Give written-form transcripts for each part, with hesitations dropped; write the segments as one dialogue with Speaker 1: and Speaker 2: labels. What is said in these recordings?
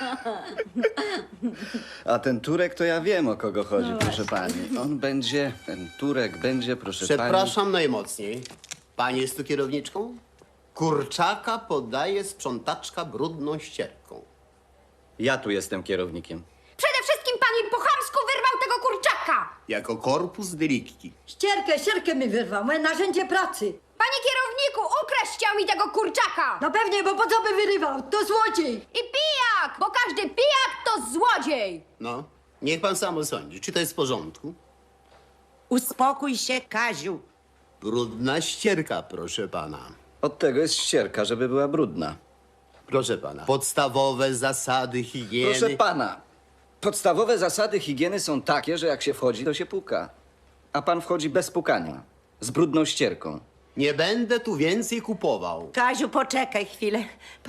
Speaker 1: A ten Turek to ja wiem, o kogo chodzi,
Speaker 2: No
Speaker 1: proszę
Speaker 2: właśnie.
Speaker 1: pani. Ten Turek będzie, proszę pani...
Speaker 3: Przepraszam najmocniej. Pani jest tu kierowniczką? Kurczaka podaje sprzątaczka brudną ścierką.
Speaker 1: Ja tu jestem kierownikiem.
Speaker 2: Przede wszystkim pan mi po chamsku wyrwał tego kurczaka!
Speaker 3: Jako korpus delicti.
Speaker 4: Ścierkę mi wyrwał, moje narzędzie pracy.
Speaker 2: Panie kierowniku, ukraść chciał mi tego kurczaka!
Speaker 4: No pewnie, bo po co by wyrywał? To złodziej.
Speaker 2: I pijak, bo każdy pijak to złodziej!
Speaker 3: No, niech pan sam osądzi, czy to jest w porządku?
Speaker 5: Uspokój się, Kaziu.
Speaker 3: Brudna ścierka, proszę pana.
Speaker 1: Od tego jest ścierka, żeby była brudna.
Speaker 3: Proszę pana, podstawowe zasady higieny.
Speaker 1: Proszę pana, podstawowe zasady higieny są takie, że jak się wchodzi, to się puka. A pan wchodzi bez pukania, z brudną ścierką.
Speaker 3: Nie będę tu więcej kupował.
Speaker 5: Kaziu, poczekaj chwilę.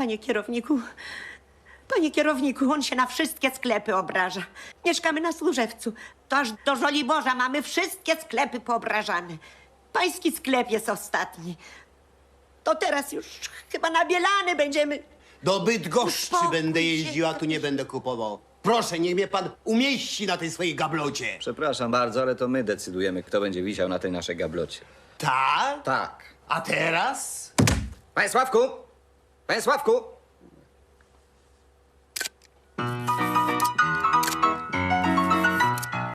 Speaker 5: Panie kierowniku, on się na wszystkie sklepy obraża. Mieszkamy na Służewcu. To aż do Żoliborza mamy wszystkie sklepy poobrażane. Pański sklep jest ostatni. To teraz już chyba na Bielany będziemy...
Speaker 3: Do Bydgoszczy
Speaker 5: Uspokój
Speaker 3: będę
Speaker 5: się,
Speaker 3: jeździł, a tu nie będę kupował. Proszę, niech mnie pan umieści na tej swojej gablocie.
Speaker 1: Przepraszam bardzo, ale to my decydujemy, kto będzie wisiał na tej naszej gablocie.
Speaker 3: Tak?
Speaker 1: Tak.
Speaker 3: A teraz?
Speaker 1: Panie Sławku! Panie Sławku!